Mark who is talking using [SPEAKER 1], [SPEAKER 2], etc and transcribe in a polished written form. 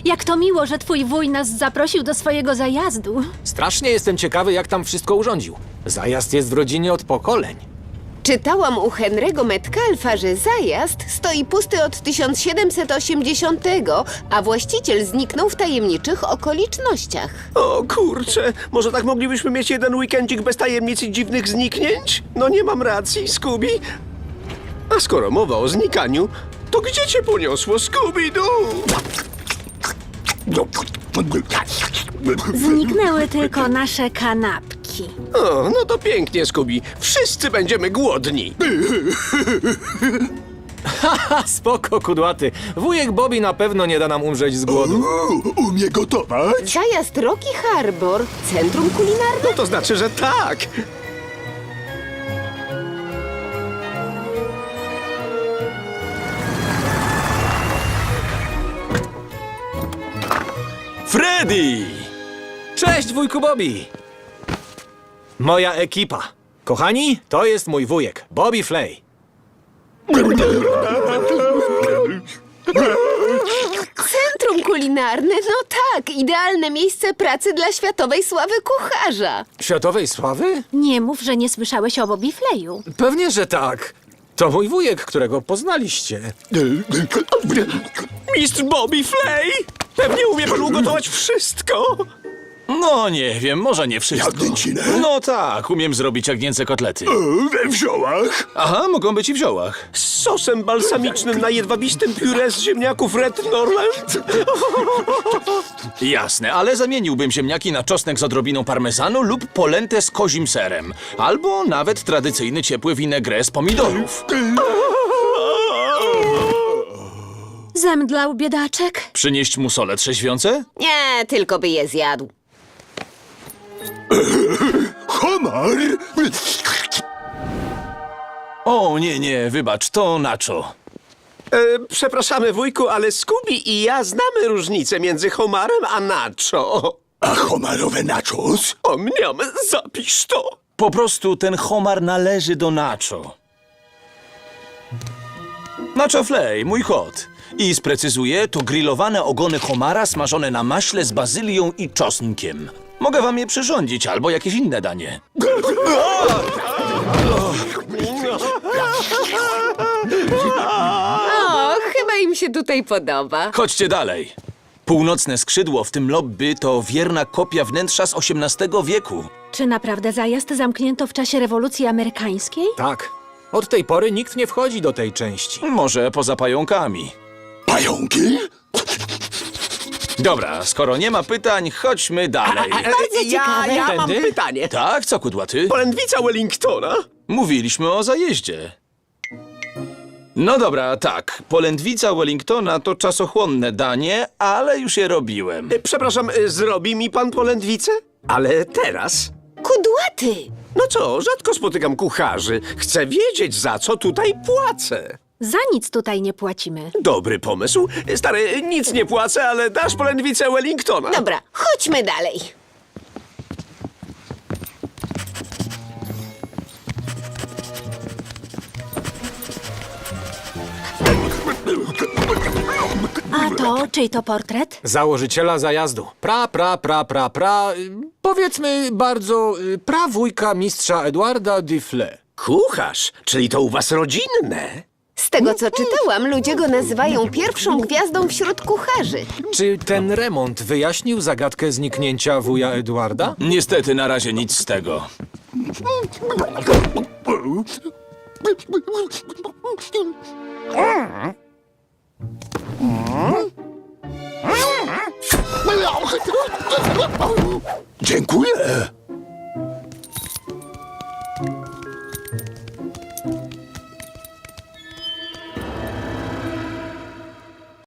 [SPEAKER 1] Jak to miło, że twój wuj nas zaprosił do swojego zajazdu.
[SPEAKER 2] Strasznie jestem ciekawy, jak tam wszystko urządził. Zajazd jest w rodzinie od pokoleń.
[SPEAKER 3] Czytałam u Henry'ego Metcalfa, że zajazd stoi pusty od 1780, a właściciel zniknął w tajemniczych okolicznościach.
[SPEAKER 4] O kurczę, może tak moglibyśmy mieć jeden weekendzik bez tajemnic i dziwnych zniknięć? No nie mam racji, Scooby. A skoro mowa o znikaniu, to gdzie cię poniosło, Scooby-Doo?
[SPEAKER 1] Zniknęły tylko nasze kanapki.
[SPEAKER 4] O, no to pięknie, Scooby. Wszyscy będziemy głodni.
[SPEAKER 2] Ha, spoko, kudłaty. Wujek Bobby na pewno nie da nam umrzeć z głodu.
[SPEAKER 5] Umie gotować?
[SPEAKER 3] Zajazd Rocky Harbor, centrum kulinarne?
[SPEAKER 4] No to znaczy, że tak.
[SPEAKER 2] Freddy! Cześć, wujku Bobby! Moja ekipa. Kochani, to jest mój wujek, Bobby Flay.
[SPEAKER 3] Centrum kulinarne? No tak, idealne miejsce pracy dla światowej sławy kucharza.
[SPEAKER 2] Światowej sławy?
[SPEAKER 1] Nie mów, że nie słyszałeś o Bobby Flayu.
[SPEAKER 2] Pewnie, że tak. To mój wujek, którego poznaliście.
[SPEAKER 4] Mistrz Bobby Flay! Pewnie umie pan ugotować wszystko.
[SPEAKER 6] No nie wiem, może nie wszystko.
[SPEAKER 5] Jagnięcinę?
[SPEAKER 6] No tak, umiem zrobić jagnięce kotlety.
[SPEAKER 5] We wziołach?
[SPEAKER 6] Aha, mogą być i w ziołach.
[SPEAKER 4] Z sosem balsamicznym na jedwabistym pióre z ziemniaków Red Norland.
[SPEAKER 6] Jasne, ale zamieniłbym ziemniaki na czosnek z odrobiną parmezanu lub polentę z kozim serem. Albo nawet tradycyjny ciepły vinaigrette z pomidorów.
[SPEAKER 1] Zemdlał biedaczek?
[SPEAKER 6] Przynieść mu sole trzeźwiące?
[SPEAKER 3] Nie, tylko by je zjadł.
[SPEAKER 5] Homar?
[SPEAKER 6] O, nie, wybacz, to nacho.
[SPEAKER 4] Przepraszamy, wujku, ale Scooby i ja znamy różnicę między homarem a nacho.
[SPEAKER 5] A homarowe nachos?
[SPEAKER 4] O mniam, zapisz to.
[SPEAKER 6] Po prostu ten homar należy do nacho. Nacho Flay, mój kot. I sprecyzuję, to grillowane ogony homara smażone na maśle z bazylią i czosnkiem. Mogę wam je przyrządzić, albo jakieś inne danie.
[SPEAKER 3] O, chyba im się tutaj podoba.
[SPEAKER 6] Chodźcie dalej. Północne skrzydło, w tym lobby, to wierna kopia wnętrza z XVIII wieku.
[SPEAKER 1] Czy naprawdę zajazd zamknięto w czasie rewolucji amerykańskiej?
[SPEAKER 2] Tak. Od tej pory nikt nie wchodzi do tej części.
[SPEAKER 6] Może poza pająkami.
[SPEAKER 5] Pająki?
[SPEAKER 6] Dobra, skoro nie ma pytań, chodźmy dalej.
[SPEAKER 4] Ja mam
[SPEAKER 2] Tędy?
[SPEAKER 4] pytanie.
[SPEAKER 6] Tak, co kudłaty?
[SPEAKER 4] Polędwica Wellingtona?
[SPEAKER 6] Mówiliśmy o zajeździe. No dobra, tak. Polędwica Wellingtona to czasochłonne danie, ale już je robiłem.
[SPEAKER 4] Przepraszam, zrobi mi pan polędwicę? Ale teraz?
[SPEAKER 3] Kudłaty!
[SPEAKER 4] No co, rzadko spotykam kucharzy. Chcę wiedzieć, za co tutaj płacę.
[SPEAKER 1] Za nic tutaj nie płacimy.
[SPEAKER 4] Dobry pomysł. Stary, nic nie płacę, ale dasz polędwicę Wellingtona.
[SPEAKER 3] Dobra, chodźmy dalej.
[SPEAKER 1] A to, czyj to portret?
[SPEAKER 2] Założyciela zajazdu. Powiedzmy bardzo prawujka mistrza Edwarda Diffle.
[SPEAKER 4] Kucharz, czyli to u was rodzinne.
[SPEAKER 3] Z tego co czytałam, ludzie go nazywają pierwszą gwiazdą wśród kucharzy.
[SPEAKER 2] Czy ten remont wyjaśnił zagadkę zniknięcia wuja Edwarda?
[SPEAKER 6] Niestety na razie nic z tego.
[SPEAKER 5] Dziękuję.